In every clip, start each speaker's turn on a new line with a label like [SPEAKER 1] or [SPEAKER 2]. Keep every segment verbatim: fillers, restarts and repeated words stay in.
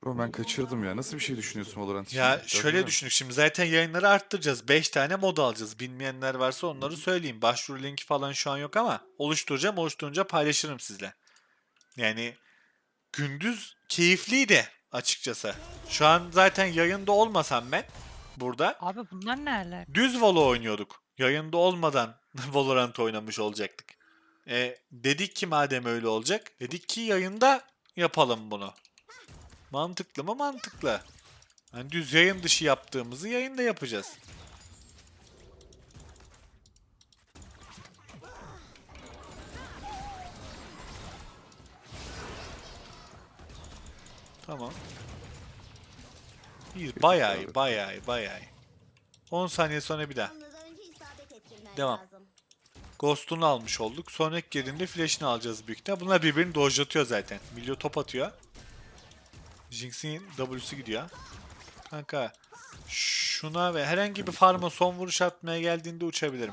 [SPEAKER 1] Ama ben kaçırdım ya. Nasıl bir şey düşünüyorsun Valorant için?
[SPEAKER 2] Ya
[SPEAKER 1] Biraz
[SPEAKER 2] şöyle
[SPEAKER 1] bilir
[SPEAKER 2] düşünün,
[SPEAKER 1] misin?
[SPEAKER 2] şimdi zaten yayınları arttıracağız. beş tane mod alacağız. Bilmeyenler varsa onları söyleyeyim. Başvuru linki falan şu an yok ama oluşturacağım. Oluşturunca paylaşırım sizle. Yani gündüz keyifliydi açıkçası. Şu an zaten yayında olmasam ben burada
[SPEAKER 3] Abi bunlar ne alaka?
[SPEAKER 2] düz Valo oynuyorduk. Yayında olmadan Valorant oynamış olacaktık. E, dedik ki madem öyle olacak, dedik ki yayında yapalım bunu. Mantıklı mı? Mantıklı. Hani düz yayın dışı yaptığımızı yayında yapacağız. Tamam. İyi,
[SPEAKER 1] Bir tık
[SPEAKER 2] bayağı
[SPEAKER 1] abi.
[SPEAKER 2] iyi, bayağı iyi, bayağı iyi. on saniye sonra bir daha. Devam. Ghost'unu almış olduk. Sonraki girdiğinde flash'ını alacağız büyük ihtimalle. Bunlar birbirini dojlatıyor zaten. Milyo top atıyor. Jinx'in W'su gidiyor. Kanka şuna ve herhangi bir farma son vuruş atmaya geldiğinde uçabilirim.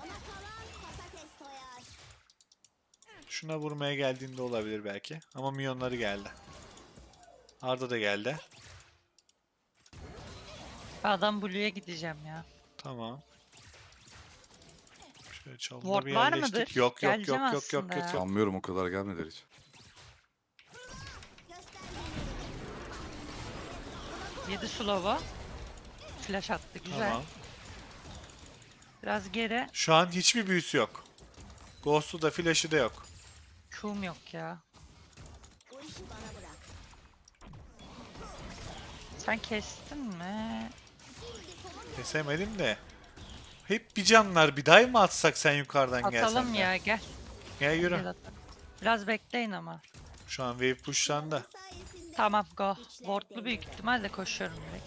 [SPEAKER 2] Şuna vurmaya geldiğinde olabilir belki. Ama milyonları geldi. Arda da geldi.
[SPEAKER 3] Ben adam Blue'ya gideceğim ya.
[SPEAKER 2] Tamam. Şöyle çalıda
[SPEAKER 3] Ward
[SPEAKER 2] bir
[SPEAKER 3] var
[SPEAKER 2] yerleştik.
[SPEAKER 3] mıdır?
[SPEAKER 2] Yok yok
[SPEAKER 3] Geleceğim
[SPEAKER 2] yok yok yok
[SPEAKER 3] aslında
[SPEAKER 2] yok
[SPEAKER 3] ya.
[SPEAKER 2] yok.
[SPEAKER 1] Sanmıyorum o kadar gelmediler hiç.
[SPEAKER 3] Yedi slow'u. Flash attı güzel.
[SPEAKER 2] Tamam.
[SPEAKER 3] Biraz geri.
[SPEAKER 2] Şu an hiçbir büyüsü yok. Ghost'u da flash'ı da yok.
[SPEAKER 3] Q'um yok ya. Sen kestin mi?
[SPEAKER 2] Kesemedim de. Hep bir canlar, bir dive mı atsak sen yukarıdan gelsen
[SPEAKER 3] Atalım
[SPEAKER 2] de?
[SPEAKER 3] ya gel.
[SPEAKER 2] Gel yürü.
[SPEAKER 3] Gel atalım. Biraz bekleyin ama.
[SPEAKER 2] Şu an wave pushlandı.
[SPEAKER 3] Tamam go. Ward'lu büyük ihtimalle koşuyorum direkt.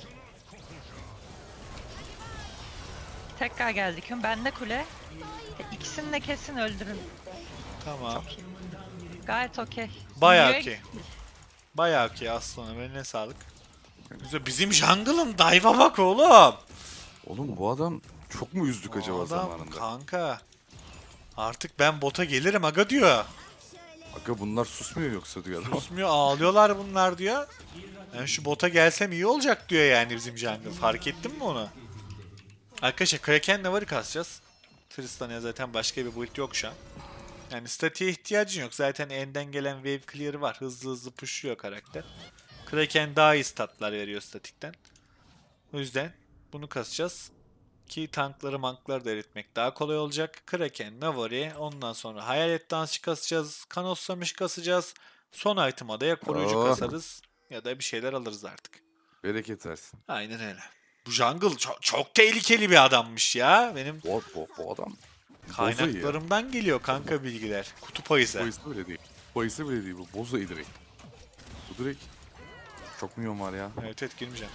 [SPEAKER 3] Tekrar geldik. Ben de kule. E, İkisini de kesin öldürün.
[SPEAKER 2] Tamam.
[SPEAKER 3] Gayet okey.
[SPEAKER 2] Bayağı
[SPEAKER 3] Milyo'ya
[SPEAKER 2] okey.
[SPEAKER 3] gittik.
[SPEAKER 2] Bayağı okey aslanım. Eline sağlık. Güzel. Bizim jungle'ın dive'a bak oğlum.
[SPEAKER 1] Oğlum bu adam çok mu üzdük
[SPEAKER 2] Bu
[SPEAKER 1] acaba
[SPEAKER 2] adam
[SPEAKER 1] zamanında?
[SPEAKER 2] kanka. Artık ben bota gelirim aga diyor.
[SPEAKER 1] Aga bunlar susmuyor yoksa diyor adam.
[SPEAKER 2] Susmuyor, ağlıyorlar bunlar diyor. Ben şu bota gelsem iyi olacak diyor yani bizim jungle. Fark ettin mi onu? Arkadaşlar Kraken Navar'ı kasacağız. Tristan'a zaten başka bir build yok şu an. Yani statiğe ihtiyacın yok. Zaten enden gelen wave clear'ı var. Hızlı hızlı pushluyor karakter. Kraken daha iyi statlar veriyor statikten. O yüzden bunu kasacağız. Ki tankları mankları da eritmek daha kolay olacak. Kraken, Navari, ondan sonra Hayalet Dansçı kasacağız. Kanossamış kasacağız. Son item'a da ya koruyucu
[SPEAKER 1] Oh,
[SPEAKER 2] kasarız ya da bir şeyler alırız artık.
[SPEAKER 1] bereket versin.
[SPEAKER 2] Aynen öyle. Bu jungle çok, çok tehlikeli bir adammış ya. Benim
[SPEAKER 1] Bu, bu, bu adam boza iyi ya.
[SPEAKER 2] kaynaklarımdan geliyor kanka bilgiler. Kutup ayısı.
[SPEAKER 1] Bayısı bile değil. Bayısı bile değil bu. Boza iyi direkt. Bu direkt çok milyon var ya.
[SPEAKER 2] Evet evet girmeyeceğim.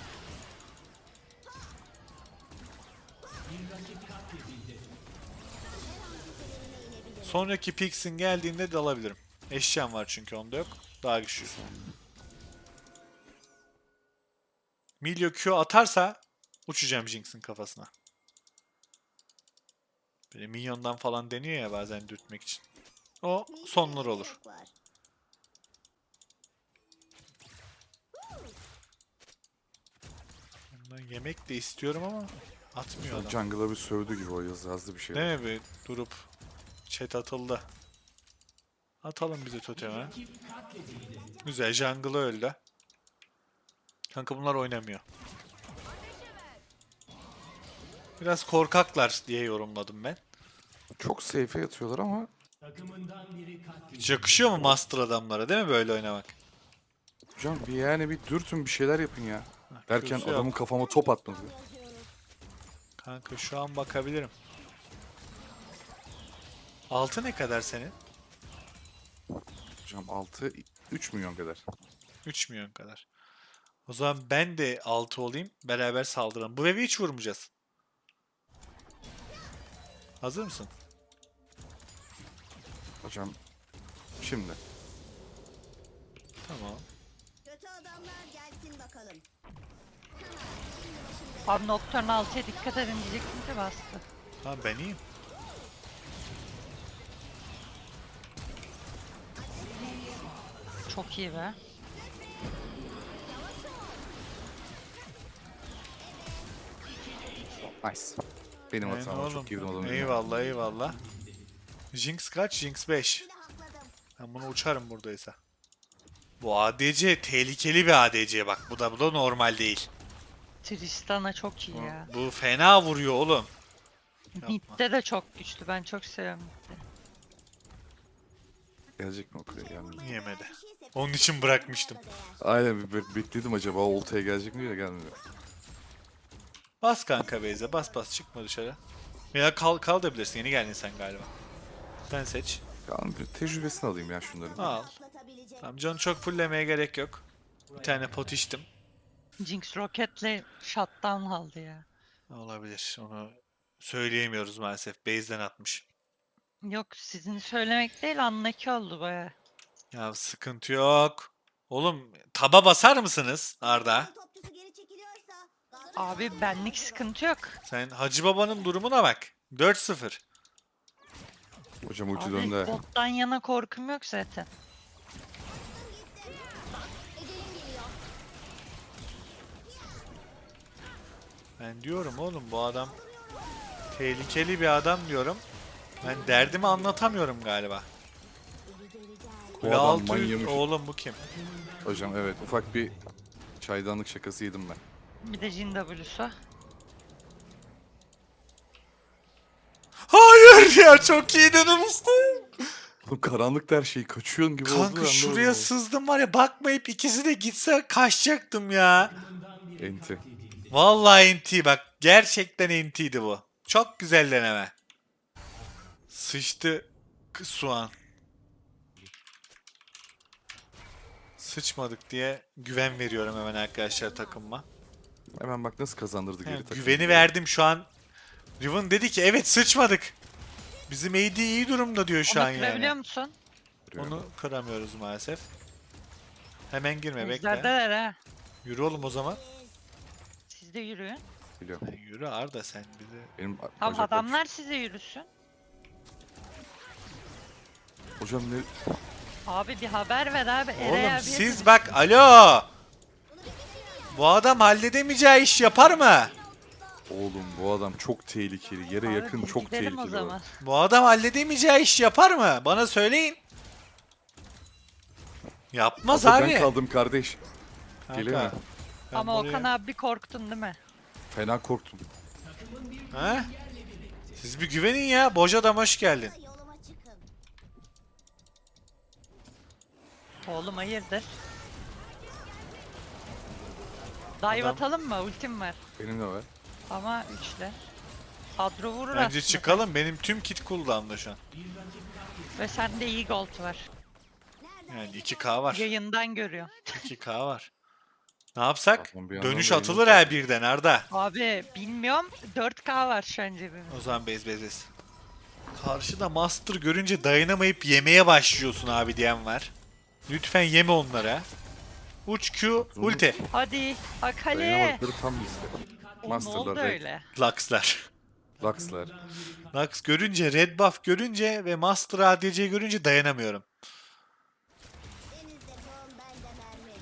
[SPEAKER 2] Sonraki Pix'in geldiğinde de alabilirim. Eşyam var çünkü onda yok. Daha güçlü. Milio Q atarsa uçacağım Jinx'in kafasına. Böyle minyondan falan deniyor ya bazen dürtmek için. O sonlar olur. Ondan yemek de istiyorum ama atmıyor adam.
[SPEAKER 1] Jungle'a bir sövdü gibi o yaz, yazdı bir şey.
[SPEAKER 2] Değil mi? Bir durup chat atıldı. Atalım bize toteme. Güzel jungle öldü. Kanka bunlar oynamıyor. Biraz korkaklar diye yorumladım ben.
[SPEAKER 1] Çok safe'e yatıyorlar ama
[SPEAKER 2] Hiç yakışıyor mu master adamlara değil mi böyle oynamak?
[SPEAKER 1] hocam bir yani bir dürtün bir şeyler yapın ya. Derken
[SPEAKER 2] Q'su yok.
[SPEAKER 1] adamın kafama top atmadı.
[SPEAKER 2] Kanka şu an bakabilirim. Altı ne kadar senin?
[SPEAKER 1] Hocam altı üç milyon kadar.
[SPEAKER 2] üç milyon kadar. O zaman ben de altı olayım. Beraber saldıralım. Bu evi hiç vurmayacağız. Hazır mısın?
[SPEAKER 1] Hocam şimdi.
[SPEAKER 2] Tamam.
[SPEAKER 4] Kötü adamlar gelsin bakalım.
[SPEAKER 3] Abi Nocturne altıya dikkat edin diyecektim ki bastı.
[SPEAKER 2] Tamam ben iyiyim.
[SPEAKER 3] Çok iyi be.
[SPEAKER 1] Nice. Benim
[SPEAKER 2] Aynen
[SPEAKER 1] hatam var.
[SPEAKER 2] oğlum.
[SPEAKER 1] Çok girdim adamın.
[SPEAKER 2] Eyvallah eyvallah. Jinx kaç? Jinx beş.
[SPEAKER 4] Bir de hakladım.
[SPEAKER 2] Ben bunu uçarım buradaysa. Bu A D C tehlikeli bir A D C bak. Bu da bu da normal değil.
[SPEAKER 3] Tristana çok iyi
[SPEAKER 2] Bu,
[SPEAKER 3] ya.
[SPEAKER 2] bu fena vuruyor oğlum.
[SPEAKER 3] Mid'de de çok güçlü. Ben çok seviyorum mid'de.
[SPEAKER 1] Gelecek mi o kuleye? Gelmedi.
[SPEAKER 2] Yemedi. Onun için bırakmıştım.
[SPEAKER 1] Aynen bir be- bekledim acaba oltaya gelecek mi diye gelmiyor.
[SPEAKER 2] Bas kanka Beyze, bas bas çıkma dışarı. Ya kal kal da bilirsin. Yeni geldin sen galiba. Sen seç.
[SPEAKER 1] Yani bir tecrübesini alayım ya şunların.
[SPEAKER 2] Al.
[SPEAKER 4] Atlatabilecek.
[SPEAKER 2] Tamam, canı çok fulllemeye gerek yok. Bir tane pot içtim.
[SPEAKER 3] Jinx Rocket'le shutdown aldı ya.
[SPEAKER 2] Olabilir. Onu söyleyemiyoruz maalesef. Base'den atmış.
[SPEAKER 3] Yok sizin söylemek değil anlaki oldu baya.
[SPEAKER 2] Ya sıkıntı yok. Oğlum taba basar mısınız Arda?
[SPEAKER 4] Topçusu geri çekiliyorsa. Galatasaray
[SPEAKER 3] Abi benlik sıkıntı yok.
[SPEAKER 2] Sen Hacı Baba'nın durumuna bak. dört sıfır.
[SPEAKER 1] Hocam ulti
[SPEAKER 3] Abi
[SPEAKER 1] döndü.
[SPEAKER 3] bottan yana korkum yok zaten.
[SPEAKER 2] Ben diyorum oğlum bu adam tehlikeli bir adam diyorum. Ben derdimi anlatamıyorum galiba.
[SPEAKER 1] Bu
[SPEAKER 2] Kule
[SPEAKER 1] adam
[SPEAKER 2] altı
[SPEAKER 1] manyamış.
[SPEAKER 2] oğlum bu kim?
[SPEAKER 1] Hocam evet ufak bir çaydanlık şakası yedim ben.
[SPEAKER 3] Bir de Jin W'su.
[SPEAKER 2] Hayır ya, çok iyi denemiştim.
[SPEAKER 1] Oğlum karanlıkta her şey kaçıyorsun gibi oldu.
[SPEAKER 2] Kanka
[SPEAKER 1] anlamadım
[SPEAKER 2] şuraya
[SPEAKER 1] ama.
[SPEAKER 2] sızdım var ya, bakmayıp ikisi de gitse kaçacaktım ya.
[SPEAKER 1] Enti.
[SPEAKER 2] Vallahi N T bak, gerçekten N T'ydi bu. Çok güzel deneme. Sıçtı k- soğan. Sıçmadık diye güven veriyorum hemen arkadaşlar takımıma.
[SPEAKER 1] Hemen bak nasıl kazandırdı geri
[SPEAKER 2] Yani
[SPEAKER 1] takımı.
[SPEAKER 2] güveni verdim şu an. Riven dedi ki evet sıçmadık. Bizim A D iyi durumda diyor şu
[SPEAKER 3] Onu
[SPEAKER 2] an
[SPEAKER 3] kırabiliyor
[SPEAKER 2] yani.
[SPEAKER 3] musun?
[SPEAKER 2] Onu kıramıyoruz maalesef. Hemen girme, bekle.
[SPEAKER 3] Ejderdeler ha.
[SPEAKER 2] Yürü oğlum o zaman.
[SPEAKER 3] Siz de yürüyün.
[SPEAKER 1] Biliyorum.
[SPEAKER 2] Sen yürü Arda, sen bizi.
[SPEAKER 1] Benim
[SPEAKER 3] Tamam
[SPEAKER 1] bacaklar-
[SPEAKER 3] adamlar size yürüsün.
[SPEAKER 1] Hocam ne?
[SPEAKER 3] Abi bir haber ver abi. Eray
[SPEAKER 2] Oğlum
[SPEAKER 3] abiye
[SPEAKER 2] siz
[SPEAKER 3] de-
[SPEAKER 2] bak, alo. Bu adam halledemeyeceği iş yapar mı?
[SPEAKER 1] Oğlum bu adam çok tehlikeli. Yere
[SPEAKER 3] Abi
[SPEAKER 1] yakın
[SPEAKER 3] biz
[SPEAKER 1] çok
[SPEAKER 3] gidelim
[SPEAKER 1] tehlikeli.
[SPEAKER 3] o
[SPEAKER 1] o.
[SPEAKER 3] zaman.
[SPEAKER 2] Bu adam halledemeyeceği iş yapar mı? Bana söyleyin. Yapmaz
[SPEAKER 1] Abla
[SPEAKER 2] abi.
[SPEAKER 1] ben kaldım kardeş.
[SPEAKER 2] Kanka,
[SPEAKER 1] Gelemem.
[SPEAKER 2] ben
[SPEAKER 3] Ama
[SPEAKER 2] buraya-
[SPEAKER 3] Okan abi korktun değil mi?
[SPEAKER 1] Fena korktum.
[SPEAKER 2] Ha? Siz bir güvenin ya. Boş adam hoş geldin.
[SPEAKER 4] yoluma çıkın.
[SPEAKER 3] Oğlum hayırdır? Dive
[SPEAKER 2] Adam-
[SPEAKER 3] atalım mı? Ultim var.
[SPEAKER 1] Benim de var.
[SPEAKER 3] Ama üçler. Kadro vurur
[SPEAKER 2] Bence
[SPEAKER 3] aslında.
[SPEAKER 2] çıkalım. Benim tüm kit cooldown'da şu an.
[SPEAKER 3] Ve sende iyi gold var.
[SPEAKER 2] Yani iki K var.
[SPEAKER 3] Yayından görüyor.
[SPEAKER 2] iki K var. Ne yapsak?
[SPEAKER 1] Tamam, bir yandan
[SPEAKER 2] Dönüş
[SPEAKER 1] da
[SPEAKER 2] atılır
[SPEAKER 1] yayını-
[SPEAKER 2] ha birden Arda.
[SPEAKER 3] Abi bilmiyorum. dört K var şu an cebimde.
[SPEAKER 2] O zaman bez bez bez. Karşıda Master görünce dayanamayıp yemeye başlıyorsun abi diyen var. Lütfen yeme onlara. Uç Q ulti.
[SPEAKER 3] Hadi Akali.
[SPEAKER 1] Dayanamadıkları tam bizde.
[SPEAKER 3] O ne
[SPEAKER 1] Master'lar,
[SPEAKER 3] oldu
[SPEAKER 1] Red,
[SPEAKER 3] öyle?
[SPEAKER 2] Lux'lar.
[SPEAKER 1] Lux'lar.
[SPEAKER 2] Lux görünce, Red Buff görünce ve Master A D C görünce dayanamıyorum.
[SPEAKER 4] Denizde tohum bende mermi.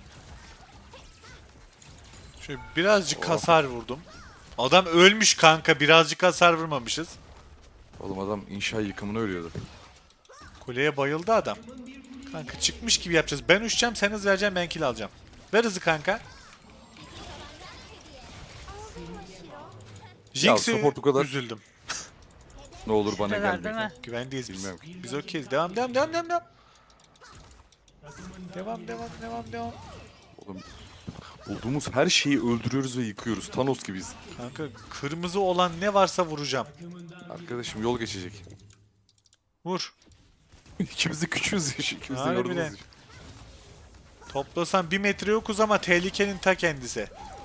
[SPEAKER 2] Şöyle birazcık
[SPEAKER 1] Oh.
[SPEAKER 2] hasar vurdum. Adam ölmüş kanka, birazcık hasar vurmamışız.
[SPEAKER 1] Oğlum adam inşa yıkımına ölüyordu.
[SPEAKER 2] Kuleye bayıldı adam. Kanka çıkmış gibi yapacağız. Ben uçacağım, sen hız vereceksin, ben kill alacağım. Ver hızı kanka. Jinx'i
[SPEAKER 1] support bu kadar.
[SPEAKER 2] üzüldüm.
[SPEAKER 1] Ne olur bana
[SPEAKER 3] Neler
[SPEAKER 1] gelme.
[SPEAKER 3] değil mi?
[SPEAKER 2] Güvendeyiz biz.
[SPEAKER 1] Bilmiyorum ki.
[SPEAKER 2] Biz okeyiz. Devam devam devam devam devam. Devam devam devam devam.
[SPEAKER 1] Oğlum bulduğumuz her şeyi öldürüyoruz ve yıkıyoruz. Thanos gibiyiz.
[SPEAKER 2] Kanka kırmızı olan ne varsa vuracağım.
[SPEAKER 1] Arkadaşım yol geçecek.
[SPEAKER 2] Vur.
[SPEAKER 1] İkimiz de küçüğüz ya. İkimiz de
[SPEAKER 2] Harbiden.
[SPEAKER 1] yoruluruz. ya.
[SPEAKER 2] Toplasan bir metre yokuz ama tehlikenin ta kendisi.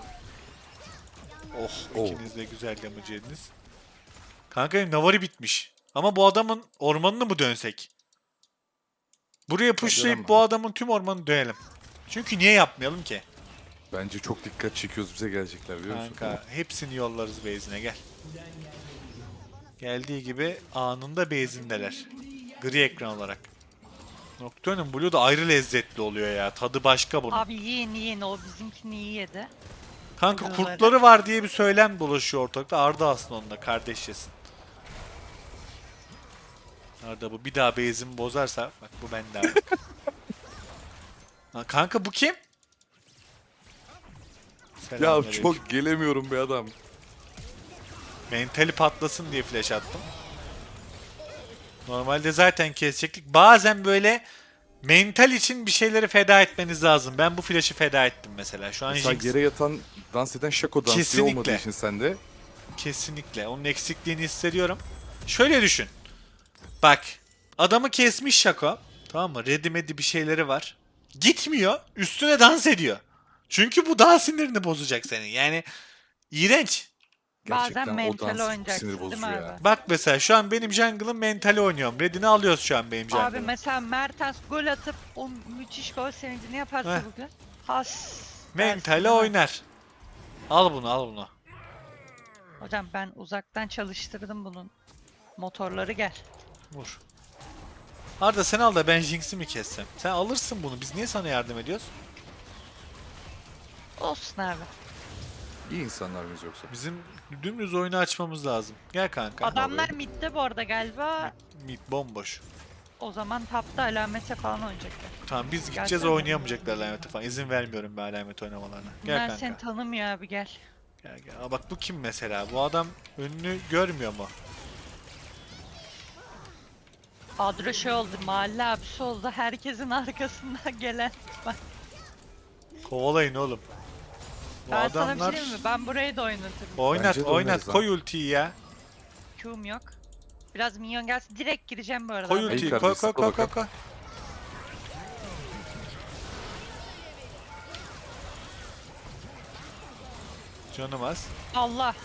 [SPEAKER 2] Oh,
[SPEAKER 1] Oh.
[SPEAKER 2] ikiniz de güzel damage yediniz. Kanka benim Navari bitmiş. Ama bu adamın ormanını mı dönsek? Buraya pushlayıp
[SPEAKER 1] dönemem.
[SPEAKER 2] bu adamın tüm ormanını dönelim. Çünkü niye yapmayalım ki?
[SPEAKER 1] Bence çok dikkat çekiyoruz, bize gelecekler biliyor musun?
[SPEAKER 2] Kanka hepsini yollarız base'ine, gel. Geldiği gibi anında base'indeler. Gri ekran olarak. Nocturne'un Blue da ayrı lezzetli oluyor ya. Tadı başka bunun.
[SPEAKER 3] Abi yiyin yiyin o bizimkini iyi yedi.
[SPEAKER 2] Kanka
[SPEAKER 3] Blue'ları.
[SPEAKER 2] kurtları var diye bir söylem dolaşıyor ortalıkta. Arda aslında onunla kardeşçesin. Arda bu bir daha base'imi bozarsa bak bu bende abi. Ha, kanka bu kim?
[SPEAKER 1] Ya
[SPEAKER 2] Selamünaleyküm.
[SPEAKER 1] çok gelemiyorum be adam.
[SPEAKER 2] Mentali patlasın diye flash attım. Normalde zaten kesecektik. Bazen böyle mental için bir şeyleri feda etmeniz lazım. Ben bu flash'ı feda ettim mesela. Şu an
[SPEAKER 1] Mesela
[SPEAKER 2] Jinx
[SPEAKER 1] yere yatan, dans eden Shaco dansı
[SPEAKER 2] Kesinlikle.
[SPEAKER 1] olmadığı için sende.
[SPEAKER 2] kesinlikle onun eksikliğini hissediyorum. Şöyle düşün. Bak adamı kesmiş Shaco. Tamam mı? Ready bir şeyleri var. Gitmiyor. Üstüne dans ediyor. Çünkü bu daha sinirini bozacak senin. Yani iğrenç.
[SPEAKER 1] Gerçekten
[SPEAKER 3] Bazen
[SPEAKER 1] o
[SPEAKER 3] mental
[SPEAKER 1] dans
[SPEAKER 3] oynayacaksın
[SPEAKER 1] sinir
[SPEAKER 3] değil mi
[SPEAKER 1] bozucu ya.
[SPEAKER 3] abi?
[SPEAKER 2] Bak mesela şu an benim jungle'ın mentali oynuyorum. Red'ini alıyoruz şu an benim
[SPEAKER 3] Abi
[SPEAKER 2] jungle'ım.
[SPEAKER 3] mesela Mertens gol atıp o müthiş gol sevincini yaparsa
[SPEAKER 2] Heh.
[SPEAKER 3] bugün. Has.
[SPEAKER 2] Mentali
[SPEAKER 3] dersin,
[SPEAKER 2] oynar. Al bunu al bunu.
[SPEAKER 3] Hocam ben uzaktan çalıştırdım bunun motorları, gel.
[SPEAKER 2] Vur. Arda sen al da ben Jinx'i mi kessem? Sen alırsın bunu. Biz niye sana yardım ediyoruz?
[SPEAKER 3] Olsun abi.
[SPEAKER 1] İyi insanlar mıyız yoksa?
[SPEAKER 2] Bizim dümdüz oyunu açmamız lazım. Gel kanka.
[SPEAKER 3] Adamlar midde bu arada galiba.
[SPEAKER 2] Mid bomboş.
[SPEAKER 3] O zaman tapta alamete falan oynayacaklar.
[SPEAKER 2] Tamam biz gideceğiz
[SPEAKER 3] Gelsene.
[SPEAKER 2] oynayamayacaklar alameti falan. İzin vermiyorum ben alamet oynamalarına. Gel
[SPEAKER 3] Bunlar
[SPEAKER 2] kanka.
[SPEAKER 3] seni tanımıyor abi, gel.
[SPEAKER 2] Gel gel. Aa, bak bu kim mesela? Bu adam önünü görmüyor mu?
[SPEAKER 3] Adro şey oldu, mahalle abisi oldu, herkesin arkasından gelen. Bak,
[SPEAKER 2] Kovalayın oğlum. Bu
[SPEAKER 3] ben sana bir
[SPEAKER 2] adamlar...
[SPEAKER 3] şey diyeyim mi? Ben burayı da oynatırım.
[SPEAKER 2] Oynat
[SPEAKER 1] Bence de
[SPEAKER 2] oynat.
[SPEAKER 1] oynarız lan.
[SPEAKER 2] Koy ultiyi ya.
[SPEAKER 3] Q'm yok. Biraz minyon gelsin, direkt gireceğim bu arada.
[SPEAKER 2] Koy
[SPEAKER 3] abi.
[SPEAKER 2] ultiyi.
[SPEAKER 1] kardeş,
[SPEAKER 2] Koy koy
[SPEAKER 1] sıkla
[SPEAKER 2] koy koy
[SPEAKER 1] bakalım.
[SPEAKER 2] koy. Canım az.
[SPEAKER 3] Allah.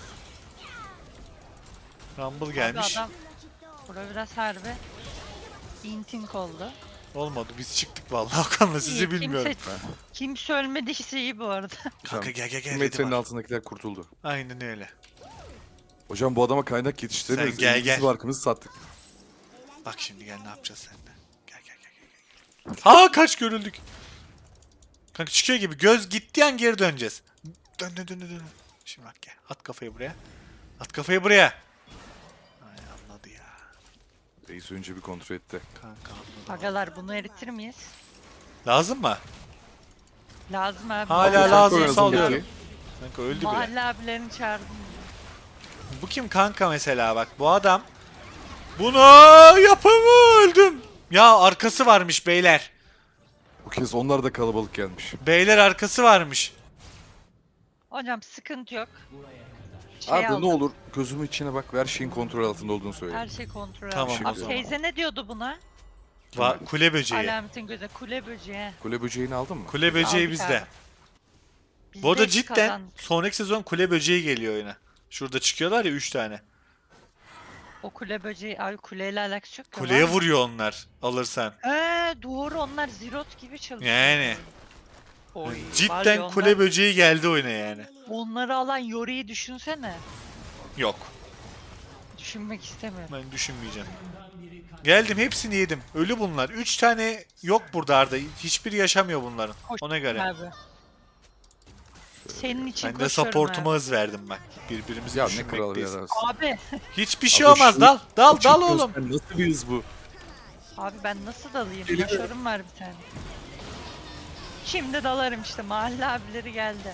[SPEAKER 2] Rumble
[SPEAKER 3] Abi
[SPEAKER 2] gelmiş.
[SPEAKER 3] adam, bura biraz harbi intink oldu.
[SPEAKER 2] Olmadı biz çıktık vallahi Okan'la sizi
[SPEAKER 3] İyi,
[SPEAKER 2] bilmiyorum.
[SPEAKER 3] Kimse, kimse ölmediyse iyi bu arada.
[SPEAKER 2] Kanka gel gel gel.
[SPEAKER 1] Bir
[SPEAKER 2] ready
[SPEAKER 1] metrenin
[SPEAKER 2] var.
[SPEAKER 1] altındakiler kurtuldu.
[SPEAKER 2] Aynen öyle.
[SPEAKER 1] Hocam bu adama kaynak yetiştiremiyoruz.
[SPEAKER 2] Sen gel,
[SPEAKER 1] Elimizi
[SPEAKER 2] gel.
[SPEAKER 1] barkımızı sattık.
[SPEAKER 2] Bak şimdi gel ne yapacağız seninle. Gel gel gel gel. gel. Aa kaç görüldük. Kanka çıkıyor gibi göz gittiği an geri döneceğiz. Dön dön dön dön. dön. Şimdi bak gel. At kafayı buraya. At kafayı buraya. Ay anladı ya.
[SPEAKER 1] Reis önce bir kontrol etti.
[SPEAKER 2] Kanka anladı.
[SPEAKER 3] Agalar bunu eritir miyiz?
[SPEAKER 2] Lazım mı?
[SPEAKER 3] Lazım abi.
[SPEAKER 2] Hala
[SPEAKER 1] Sen
[SPEAKER 2] lazım
[SPEAKER 1] koy
[SPEAKER 2] salıyorum.
[SPEAKER 1] ağzındaki.
[SPEAKER 2] Kanka öldü bile.
[SPEAKER 3] Mahalle abilerini çağırdım.
[SPEAKER 2] Bu kim kanka mesela bak bu adam. Bunu yapımı öldüm. Ya arkası varmış beyler.
[SPEAKER 1] Bu kez onlar da kalabalık gelmiş.
[SPEAKER 2] Beyler arkası varmış.
[SPEAKER 3] Hocam sıkıntı yok. Şey
[SPEAKER 1] Arda
[SPEAKER 3] aldım,
[SPEAKER 1] ne olur gözümün içine bak ve her şeyin kontrol altında olduğunu söyle.
[SPEAKER 3] her şey kontrol
[SPEAKER 2] Tamam,
[SPEAKER 3] altında.
[SPEAKER 1] o
[SPEAKER 3] Abi
[SPEAKER 1] zaman.
[SPEAKER 3] teyze ne diyordu buna?
[SPEAKER 2] Va kule böceği.
[SPEAKER 3] Alametin gözü. Kule böceği.
[SPEAKER 1] Kule böceğini aldın mı?
[SPEAKER 2] Kule böceği
[SPEAKER 3] Aldık
[SPEAKER 2] bizde.
[SPEAKER 3] abi. Biz
[SPEAKER 2] Bu arada
[SPEAKER 3] de
[SPEAKER 2] cidden
[SPEAKER 3] kazandık.
[SPEAKER 2] sonraki sezon kule böceği geliyor oyuna. Şurada çıkıyorlar ya üç tane.
[SPEAKER 3] O kule böceği, ay kuleyle alakası yok. ki,
[SPEAKER 2] Kuleye
[SPEAKER 3] var mı?
[SPEAKER 2] vuruyor onlar alırsan.
[SPEAKER 3] He doğru, onlar zirot gibi çalışıyor.
[SPEAKER 2] Yani
[SPEAKER 3] Oy, var ya
[SPEAKER 2] cidden
[SPEAKER 3] onlar-
[SPEAKER 2] kule böceği geldi oyuna yani.
[SPEAKER 3] Onları alan Yori'yi düşünsene.
[SPEAKER 2] Yok
[SPEAKER 3] Düşünmek istemiyorum.
[SPEAKER 2] ben düşünmeyeceğim. Geldim hepsini yedim. Ölü bunlar. üç tane yok burada Arda. Hiçbiri yaşamıyor bunların.
[SPEAKER 3] Hoş
[SPEAKER 2] Ona göre.
[SPEAKER 3] Abi. Senin için
[SPEAKER 2] Ben de
[SPEAKER 3] koşuyorum
[SPEAKER 2] supportuma
[SPEAKER 3] abi.
[SPEAKER 2] hız verdim bak. Birbirimizi
[SPEAKER 1] Ya ne kral bir
[SPEAKER 2] düşünmekteyiz.
[SPEAKER 1] adam.
[SPEAKER 3] Abi.
[SPEAKER 2] Hiçbir şey
[SPEAKER 1] Abi
[SPEAKER 2] olmaz.
[SPEAKER 1] şu-
[SPEAKER 2] Dal dal
[SPEAKER 1] Bu
[SPEAKER 2] dal
[SPEAKER 1] çift
[SPEAKER 2] oğlum.
[SPEAKER 1] gözden Nasıl bir hız bu?
[SPEAKER 3] Abi ben nasıl dalayım?
[SPEAKER 1] Geliyor.
[SPEAKER 3] Yaşarım var bir tane. Şimdi dalarım işte, mahalle abileri geldi.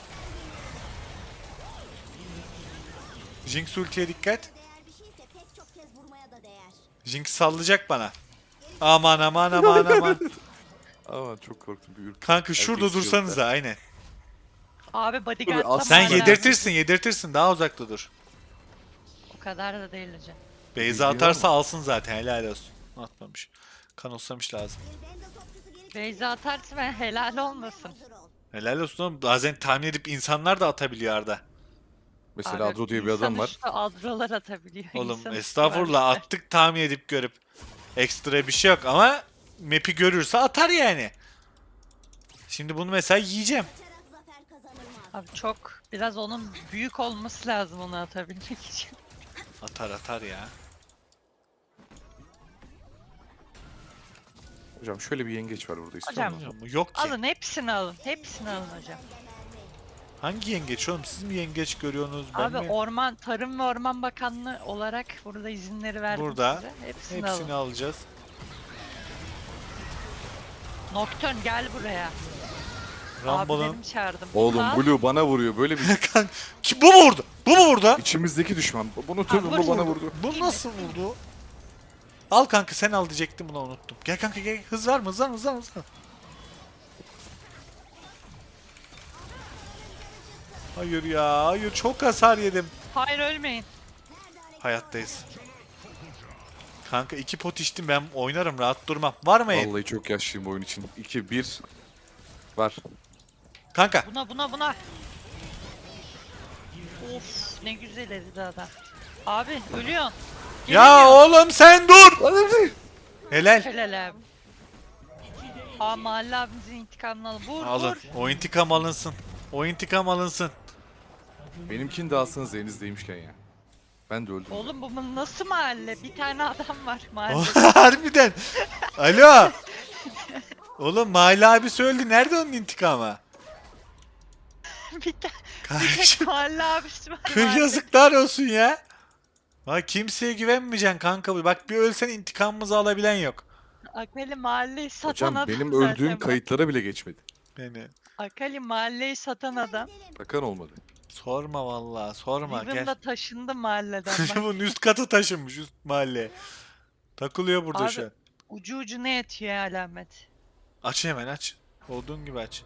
[SPEAKER 2] Jinx ultiye dikkat.
[SPEAKER 4] Değer bir şeyse pek çok kez vurmaya da değer.
[SPEAKER 2] Jinx sallayacak bana. Aman aman aman aman.
[SPEAKER 1] Ama çok korktum. Bir ürk.
[SPEAKER 2] Kanka şurada
[SPEAKER 1] Erkek
[SPEAKER 2] dursanıza aynen.
[SPEAKER 3] Abi bodyguard
[SPEAKER 1] Dur, al-
[SPEAKER 2] Sen
[SPEAKER 3] zamanı
[SPEAKER 2] yedirtirsin yedirtirsin daha uzakta dur.
[SPEAKER 3] O kadar da değil hocam.
[SPEAKER 2] Beyza
[SPEAKER 1] Bildiğin
[SPEAKER 2] atarsa
[SPEAKER 1] var mı?
[SPEAKER 2] alsın zaten helal olsun. Atmamış. Kanoslamış lazım.
[SPEAKER 4] Bir bende topçusu gelip
[SPEAKER 3] Beyza atarsa ben helal olmasın.
[SPEAKER 4] hazır ol.
[SPEAKER 2] Helal olsun oğlum. Bazen tahmin edip insanlar da atabiliyor Arda.
[SPEAKER 1] Mesela
[SPEAKER 3] Abi,
[SPEAKER 1] Adro diye bir adam
[SPEAKER 3] insan
[SPEAKER 1] var.
[SPEAKER 3] üstü adrolar atabiliyor.
[SPEAKER 2] Oğlum
[SPEAKER 3] İnsan üstü
[SPEAKER 2] estağfurullah
[SPEAKER 3] var işte.
[SPEAKER 2] attık tahmin edip görüp. Ekstra bir şey yok ama map'i görürse atar yani. Şimdi bunu mesela yiyeceğim.
[SPEAKER 4] Kaçarak zafer kazanılmaz.
[SPEAKER 3] Abi çok, biraz onun büyük olması lazım onu atabilmek için.
[SPEAKER 2] Atar atar ya.
[SPEAKER 1] Hocam şöyle bir yengeç var burada istiyor
[SPEAKER 3] Hocam,
[SPEAKER 1] musun?
[SPEAKER 2] Hocam bu yok ki.
[SPEAKER 3] Alın hepsini alın. Hepsini alın hocam.
[SPEAKER 2] Hangi yengeç oğlum? Siz mi yengeç görüyorsunuz? Ben
[SPEAKER 3] Abi
[SPEAKER 2] mi?
[SPEAKER 3] Orman Tarım ve Orman Bakanlığı olarak burada izinleri verdim
[SPEAKER 2] Burada.
[SPEAKER 3] size. Hepsini,
[SPEAKER 2] Hepsini
[SPEAKER 3] alın.
[SPEAKER 2] alacağız.
[SPEAKER 3] Nocturne gel buraya.
[SPEAKER 2] Rumble'ın.
[SPEAKER 3] Abilerimi çağırdım.
[SPEAKER 1] Oğlum
[SPEAKER 3] Al.
[SPEAKER 1] Blue bana vuruyor. Böyle bir
[SPEAKER 2] Kanka, ki bu mu vurdu? Bu mu vurdu?
[SPEAKER 1] içimizdeki düşman. Bunu tüm
[SPEAKER 3] vur,
[SPEAKER 1] bu bana
[SPEAKER 3] vur.
[SPEAKER 1] vurdu.
[SPEAKER 2] Bu nasıl vurdu? Al kanka, sen al diyecektim, bunu unuttum. Gel kanka gel. Hız var mı? Hız var mı? Hız var mı? Hız var mı? Hayır ya. Hayır, çok hasar yedim.
[SPEAKER 3] Hayır ölmeyin.
[SPEAKER 2] Hayattayız. Kanka iki pot içtim, ben oynarım, rahat durmam. Var mı el?
[SPEAKER 1] Vallahi çok yaşlıyım bu oyun için. iki bir var.
[SPEAKER 2] Kanka.
[SPEAKER 3] Buna buna buna. Of ne güzel eridi adam. Abi ölüyorsun.
[SPEAKER 2] Ya oğlum sen dur. Helal.
[SPEAKER 3] Helal abi. Aa Mahalle abimizin intikamını alın. Vur
[SPEAKER 2] Alın.
[SPEAKER 3] vur.
[SPEAKER 2] O intikam alınsın. O intikam alınsın.
[SPEAKER 1] Benimkini de alsanız elinizdeymişken ya. Ben de öldüm.
[SPEAKER 3] Oğlum bu nasıl mahalle? Bir tane adam var mahallede.
[SPEAKER 2] Harbiden. Alo. Oğlum Mahalle abi söyledi. Nerede onun intikamı?
[SPEAKER 3] bir, ta bir
[SPEAKER 2] Kardeşim.
[SPEAKER 3] tek mahalle abisi var.
[SPEAKER 2] Kır
[SPEAKER 3] mahallede.
[SPEAKER 2] yazıklar olsun ya. Bak kimseye güvenmeyeceksin kanka. Bak bir ölsen intikamımızı alabilen yok.
[SPEAKER 3] Akali mahalleyi satan
[SPEAKER 1] Hocam
[SPEAKER 3] adam
[SPEAKER 1] benim
[SPEAKER 3] zaten
[SPEAKER 1] öldüğüm
[SPEAKER 3] bak.
[SPEAKER 1] kayıtlara bile geçmedi.
[SPEAKER 2] Beni.
[SPEAKER 3] Akali mahalleyi satan adam.
[SPEAKER 1] Bakan olmadı.
[SPEAKER 2] Sorma vallahi, sorma
[SPEAKER 3] Riven
[SPEAKER 2] gel.
[SPEAKER 3] da taşındı mahalleden bak.
[SPEAKER 2] Bunun üst katı taşınmış, üst mahalle. Takılıyor burada
[SPEAKER 3] Abi-
[SPEAKER 2] şu an.
[SPEAKER 3] Ucu ucuna yetiyor ya alamet.
[SPEAKER 2] Aç hemen aç. Olduğun gibi aç.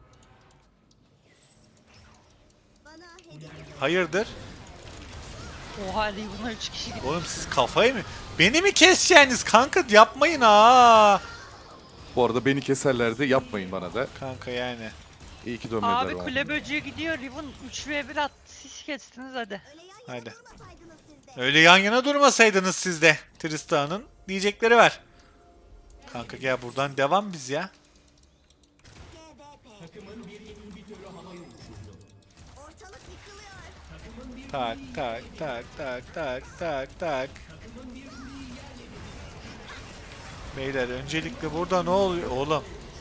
[SPEAKER 4] Bana hediye
[SPEAKER 2] Hayırdır?
[SPEAKER 3] Oha Riven'a üç kişi gitti.
[SPEAKER 2] Oğlum siz kafayı mı? Beni mi keseceksiniz kanka? Yapmayın ha.
[SPEAKER 1] Bu arada beni keserlerdi. Yapmayın bana da.
[SPEAKER 2] Kanka yani.
[SPEAKER 1] İyi ki dönmediler
[SPEAKER 3] Abi
[SPEAKER 1] bana.
[SPEAKER 3] kule böceği gidiyor. Riven üç ve bir attı. Siz kestiniz hadi.
[SPEAKER 4] öyle yan
[SPEAKER 2] Hadi.
[SPEAKER 4] yana durmasaydınız siz de.
[SPEAKER 2] Öyle yan yana durmasaydınız siz de. Tristan'ın diyecekleri var. Kanka gel buradan devam biz ya.
[SPEAKER 4] G B P. Ortalık yıkılıyor.
[SPEAKER 2] Tak tak tak tak tak tak tak. Beyler öncelikle burada ne oluyor oğlum?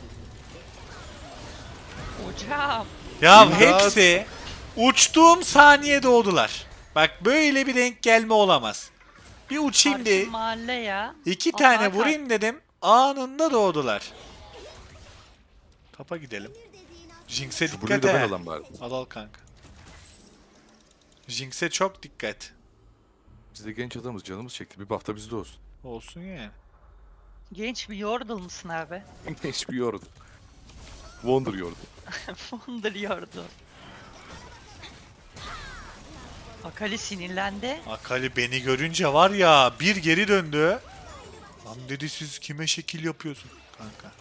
[SPEAKER 3] Hocam.
[SPEAKER 2] Ya
[SPEAKER 1] İmdat.
[SPEAKER 2] hepsi uçtuğum saniye doğdular. Bak böyle bir denk gelme olamaz. Bir uçayım
[SPEAKER 3] Karşı
[SPEAKER 2] diye
[SPEAKER 3] mahalle ya.
[SPEAKER 2] iki
[SPEAKER 3] Aa,
[SPEAKER 2] tane
[SPEAKER 3] Hakan.
[SPEAKER 2] vurayım dedim. Anında doğdular. Tapa gidelim. Jinx'e
[SPEAKER 1] Şu Blue'yu
[SPEAKER 2] dikkat
[SPEAKER 1] da ben
[SPEAKER 2] et.
[SPEAKER 1] alayım bari.
[SPEAKER 2] Al al kanka. Jinx'e çok dikkat.
[SPEAKER 1] Biz de genç adamız. Canımız çekti. Bir buff da bizde olsun.
[SPEAKER 2] Olsun yani.
[SPEAKER 3] Genç bir Yordle mısın abi?
[SPEAKER 1] Genç bir yordu. Wonder yordu.
[SPEAKER 3] Wonder Yordle. Akali sinirlendi.
[SPEAKER 2] Akali beni görünce var ya bir geri döndü. Lan dedi siz kime şekil yapıyorsun kanka.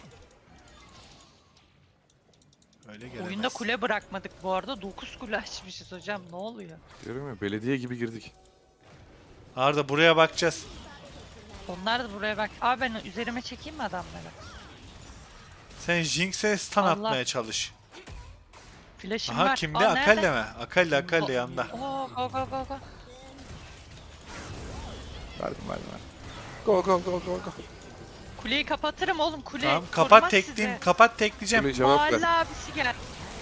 [SPEAKER 2] Öyle gelemez.
[SPEAKER 3] Oyunda kule bırakmadık bu arada. dokuz kule açmışız hocam. Ne oluyor?
[SPEAKER 1] Diyorum ya belediye gibi girdik.
[SPEAKER 2] Arda buraya bakacağız.
[SPEAKER 3] Onlar da buraya bak. Abi ben üzerime çekeyim mi adamları?
[SPEAKER 2] Sen Jinx'e stun
[SPEAKER 3] Allah.
[SPEAKER 2] atmaya çalış.
[SPEAKER 3] Flash'ım
[SPEAKER 2] Aha
[SPEAKER 3] var.
[SPEAKER 2] kimde?
[SPEAKER 3] Aa,
[SPEAKER 2] Akali
[SPEAKER 3] nerede?
[SPEAKER 2] mi? Akali Akali
[SPEAKER 3] Go-
[SPEAKER 2] yanında.
[SPEAKER 3] Oo, go go go go.
[SPEAKER 1] Verdim verdim verdim. Go go go go go.
[SPEAKER 3] Kuleyi kapatırım oğlum. Kule
[SPEAKER 2] Tamam
[SPEAKER 3] korumaz
[SPEAKER 2] kapat tekleyeyim.
[SPEAKER 3] sizi.
[SPEAKER 2] Kapat tekleyeceğim.
[SPEAKER 1] Kule cevap
[SPEAKER 3] Mahalle
[SPEAKER 1] ver.
[SPEAKER 3] abisi gel.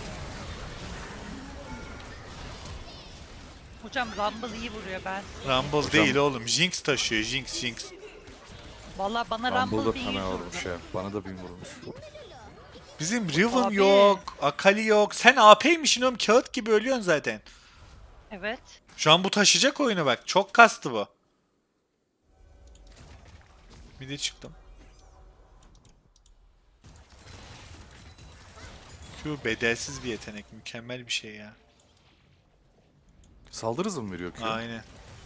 [SPEAKER 3] Hocam Rumble iyi vuruyor ben.
[SPEAKER 2] Rumble değil oğlum. Jinx taşıyor. Jinx Jinx.
[SPEAKER 3] Valla bana
[SPEAKER 1] Rumble
[SPEAKER 3] Rumble
[SPEAKER 1] da
[SPEAKER 3] bir iyi
[SPEAKER 1] fena
[SPEAKER 3] vurdu.
[SPEAKER 1] vurmuş ya. Bana da bin vurmuş.
[SPEAKER 2] Bizim Riven
[SPEAKER 3] Abi.
[SPEAKER 2] yok. Akali yok. Sen A P'ymişsin oğlum. Kağıt gibi ölüyorsun zaten.
[SPEAKER 3] Evet.
[SPEAKER 2] Şu an bu taşıyacak oyunu bak. Çok kastı bu. Bir de çıktım. Q bedelsiz bir yetenek. Mükemmel bir şey ya.
[SPEAKER 1] Saldırı hızı mı veriyor ki?
[SPEAKER 2] Aynen.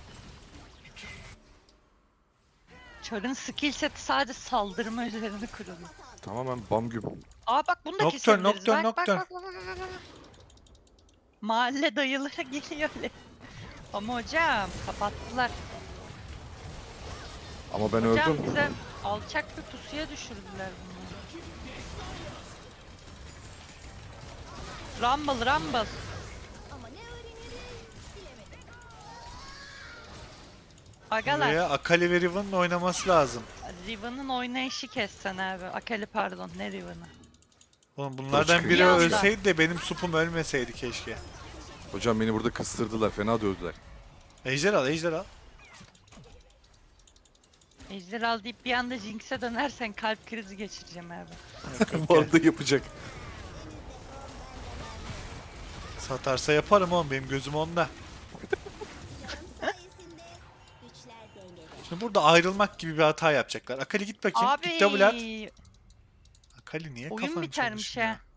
[SPEAKER 3] Char'ın skill seti sadece saldırma üzerine kurulu.
[SPEAKER 1] Tamamen bam gibi.
[SPEAKER 3] Aa bak bunu da
[SPEAKER 2] Nocturne,
[SPEAKER 3] kesebiliriz.
[SPEAKER 2] Nocturne,
[SPEAKER 3] bak, bak,
[SPEAKER 2] Nocturne.
[SPEAKER 3] bak, bak, bak, bak, bak. Mahalle dayıları geliyor öyle. Ama hocam kapattılar.
[SPEAKER 1] Ama ben
[SPEAKER 3] Hocam
[SPEAKER 1] öldüm.
[SPEAKER 3] bize alçak bir pusuya düşürdüler bunu. Rumble Rumble.
[SPEAKER 4] Ama ne öğreniriz bilemedim.
[SPEAKER 3] Agalar.
[SPEAKER 2] Buraya Akali ve Riven'ın oynaması lazım.
[SPEAKER 3] Riven'ın oynayışı kessen abi. Akali pardon ne Riven'ı.
[SPEAKER 2] Oğlum bunlardan
[SPEAKER 1] çıkıyor.
[SPEAKER 2] biri
[SPEAKER 3] Bir anda.
[SPEAKER 2] ölseydi de benim supum ölmeseydi keşke.
[SPEAKER 1] Hocam beni burada kıstırdılar. Fena dövdüler.
[SPEAKER 2] Ejder al, ejder al.
[SPEAKER 3] Ejderhal deyip bir anda Jinx'e dönersen kalp krizi geçireceğim abi.
[SPEAKER 1] Bu arada yapacak.
[SPEAKER 2] Satarsa yaparım oğlum, benim gözüm onda.
[SPEAKER 4] sayesinde güçler dengede.
[SPEAKER 2] Şimdi burada ayrılmak gibi bir hata yapacaklar. Akali git bakayım.
[SPEAKER 3] Abi
[SPEAKER 2] Git double at. Akali niye
[SPEAKER 3] oyun
[SPEAKER 2] kafan
[SPEAKER 3] bitermiş
[SPEAKER 2] çalışmıyor?
[SPEAKER 3] ha.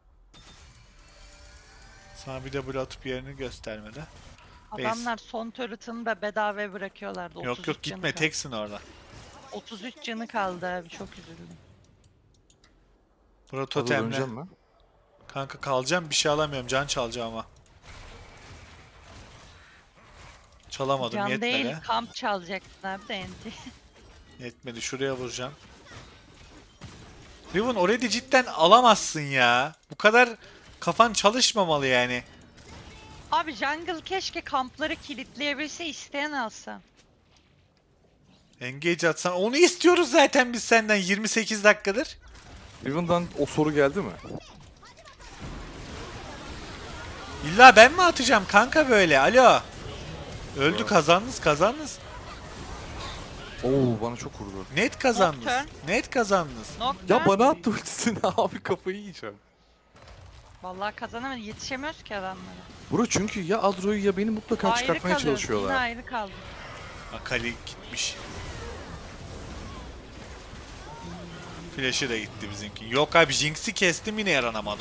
[SPEAKER 2] Sana bir double atıp yerini göstermedi.
[SPEAKER 3] Adamlar son turret'ını da bedavaya bırakıyorlardı.
[SPEAKER 2] Yok
[SPEAKER 3] otuz
[SPEAKER 2] yok
[SPEAKER 3] üç canı
[SPEAKER 2] gitme,
[SPEAKER 3] kaldı.
[SPEAKER 2] teksin orada.
[SPEAKER 3] otuz üç canı kaldı abi, çok üzüldüm.
[SPEAKER 2] Bura
[SPEAKER 1] Hadi
[SPEAKER 2] totemle.
[SPEAKER 1] döneceğim mi?
[SPEAKER 2] Kanka kalacağım, bir şey alamıyorum. Can çalacağım ama. Çalamadım,
[SPEAKER 3] Can
[SPEAKER 2] yetmedi.
[SPEAKER 3] değil, kamp çalacaktın abi de enti.
[SPEAKER 2] Yetmedi, şuraya vuracağım. Riven orayı cidden alamazsın ya. Bu kadar kafan çalışmamalı yani.
[SPEAKER 3] Abi jungle keşke kampları kilitleyebilse, isteyen alsa.
[SPEAKER 2] Engage atsan, onu istiyoruz zaten biz senden yirmi sekiz dakikadır.
[SPEAKER 1] Riven'dan o soru geldi mi?
[SPEAKER 2] İlla ben mi atacağım kanka böyle? Alo. Öldü, kazandınız kazandınız.
[SPEAKER 1] Oo bana çok vurdu.
[SPEAKER 2] Net kazandınız.
[SPEAKER 3] Nocturne.
[SPEAKER 2] Net kazandınız.
[SPEAKER 3] Nocturne.
[SPEAKER 1] Ya bana attı ultisini abi, kafayı yiyeceğim.
[SPEAKER 3] Vallahi kazanamadı, yetişemiyoruz ki adamlara.
[SPEAKER 1] Bro çünkü ya Adro'yu ya beni mutlaka
[SPEAKER 3] Ayrı
[SPEAKER 1] çıkartmaya
[SPEAKER 3] kalıyoruz, yine
[SPEAKER 1] çalışıyorlar.
[SPEAKER 3] ayrı kaldık.
[SPEAKER 2] Akali gitmiş. Flash'ı da gitti bizimki. Yok abi, Jinx'i kestim yine yaranamadım.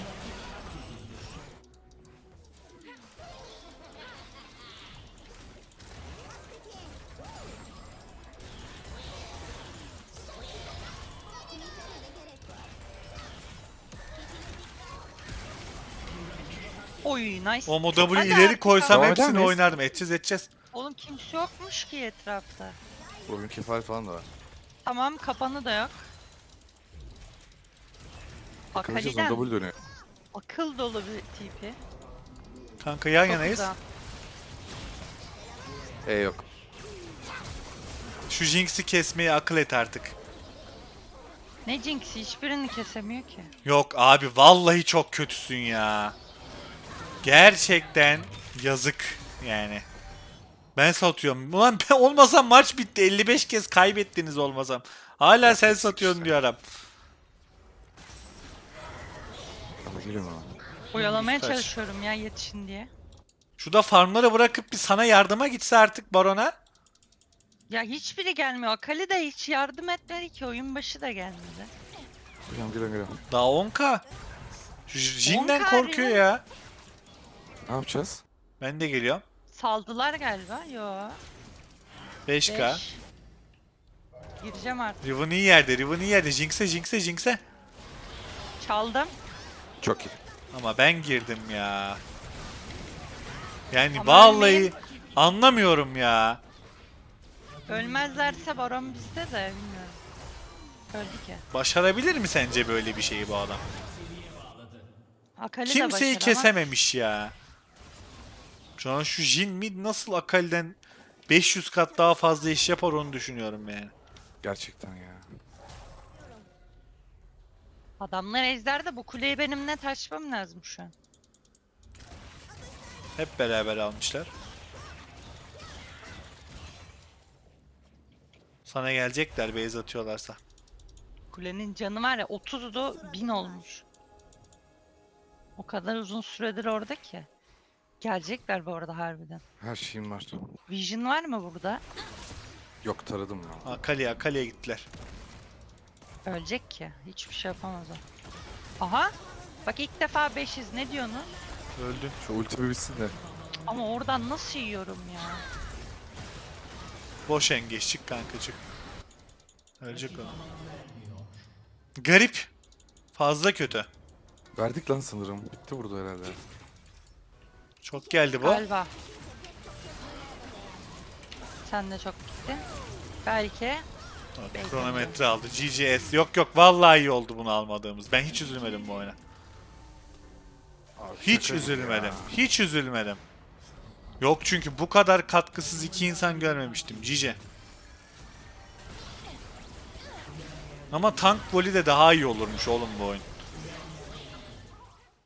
[SPEAKER 3] Oy nice.
[SPEAKER 2] O W'yu
[SPEAKER 3] Hadi
[SPEAKER 2] ileri
[SPEAKER 3] artık
[SPEAKER 2] koysam
[SPEAKER 3] abi.
[SPEAKER 1] Devam eder
[SPEAKER 2] hepsini
[SPEAKER 1] miyiz?
[SPEAKER 2] oynardım. Edeceğiz edeceğiz.
[SPEAKER 3] Oğlum kimse yokmuş ki etrafta.
[SPEAKER 1] Oyun kefalet falan da var.
[SPEAKER 3] Tamam, kapanı da yok.
[SPEAKER 1] Bakılacağız, o
[SPEAKER 3] Akali'den
[SPEAKER 1] double dönüyor.
[SPEAKER 3] akıl dolu bir tipi.
[SPEAKER 2] Kanka yan
[SPEAKER 3] Çok
[SPEAKER 2] yanayız.
[SPEAKER 3] güzel.
[SPEAKER 1] E yok.
[SPEAKER 2] Şu Jinx'i kesmeyi akıl et artık.
[SPEAKER 3] Ne Jinx'i, hiçbirini kesemiyor ki.
[SPEAKER 2] Yok abi, vallahi çok kötüsün ya. Gerçekten yazık yani. Ben satıyorum. Ulan ben olmasam maç bitti. elli beş kez kaybettiniz olmasam. Hala sen
[SPEAKER 1] Gerçek
[SPEAKER 2] satıyorsun
[SPEAKER 1] işte.
[SPEAKER 2] diyorum.
[SPEAKER 1] Ama geliyorum ama.
[SPEAKER 3] Oyalamaya
[SPEAKER 2] Kaç.
[SPEAKER 3] çalışıyorum ya, yetişin diye.
[SPEAKER 2] Şurada farmları bırakıp bir sana yardıma gitse artık Baron'a.
[SPEAKER 3] Ya hiçbiri gelmiyor. Akali de hiç yardım etmedi ki. Oyun başı da gelmedi.
[SPEAKER 1] Geliyorum geliyorum geliyorum.
[SPEAKER 2] Daha on K. Şu Jin'den
[SPEAKER 3] on K
[SPEAKER 2] korkuyor
[SPEAKER 3] ya.
[SPEAKER 2] ya.
[SPEAKER 1] Ne yapacağız?
[SPEAKER 2] Ben de geliyorum.
[SPEAKER 3] Saldılar galiba. Yo.
[SPEAKER 2] beş K.
[SPEAKER 3] beş. Gireceğim artık.
[SPEAKER 2] Riven iyi yerde, Riven iyi yerde. Jinx'e, Jinx'e, Jinx'e.
[SPEAKER 3] Çaldım.
[SPEAKER 1] Çok iyi.
[SPEAKER 2] Ama ben girdim ya. Yani
[SPEAKER 3] Ama
[SPEAKER 2] vallahi
[SPEAKER 3] ölmeyin.
[SPEAKER 2] anlamıyorum ya.
[SPEAKER 3] Ölmezlerse baron bizde de bilmiyorum. Öldü ki.
[SPEAKER 2] Başarabilir mi sence böyle bir şeyi bu adam?
[SPEAKER 3] Akali de
[SPEAKER 2] Kimseyi
[SPEAKER 3] başaramaz.
[SPEAKER 2] kesememiş ya. Şu an şu Jin mid nasıl Akali'den beş yüz kat daha fazla iş yapar onu düşünüyorum yani.
[SPEAKER 1] Gerçekten ya.
[SPEAKER 3] Adamlar ejderde, bu kuleyi benim net açmam lazım şu an.
[SPEAKER 2] Hep beraber almışlar. Sana gelecekler base atıyorlarsa.
[SPEAKER 3] Kulenin canı var ya, otuzdu bin olmuş. O kadar uzun süredir orada ki. Gelecekler bu arada harbiden.
[SPEAKER 1] Her şeyim var.
[SPEAKER 3] Vision var mı burada?
[SPEAKER 1] Yok, taradım ya.
[SPEAKER 2] Akali, Akali'ye gittiler.
[SPEAKER 3] Ölecek ki. Hiçbir şey yapamaz o. Aha. Bak ilk defa beşiz. Ne diyorsunuz?
[SPEAKER 2] Öldü.
[SPEAKER 1] Şu ulti bir bitsin de.
[SPEAKER 3] Ama oradan nasıl yiyorum ya?
[SPEAKER 2] Boş engeççik kankacık. Ölecek o. Garip. Fazla kötü.
[SPEAKER 1] Verdik lan sanırım. Bitti burada herhalde.
[SPEAKER 2] Çok geldi bu.
[SPEAKER 3] Galiba. Sen de çok gittin. Belki.
[SPEAKER 2] Bak, kronometre aldı. G G S. Yok yok, vallahi iyi oldu bunu almadığımız. Ben hiç üzülmedim bu oyuna.
[SPEAKER 1] Abi,
[SPEAKER 2] Hiç
[SPEAKER 1] şaka gibi
[SPEAKER 2] üzülmedim.
[SPEAKER 1] ya.
[SPEAKER 2] Hiç üzülmedim. Yok çünkü bu kadar katkısız iki insan görmemiştim. Cice. Ama tank voli de daha iyi olurmuş oğlum bu oyun.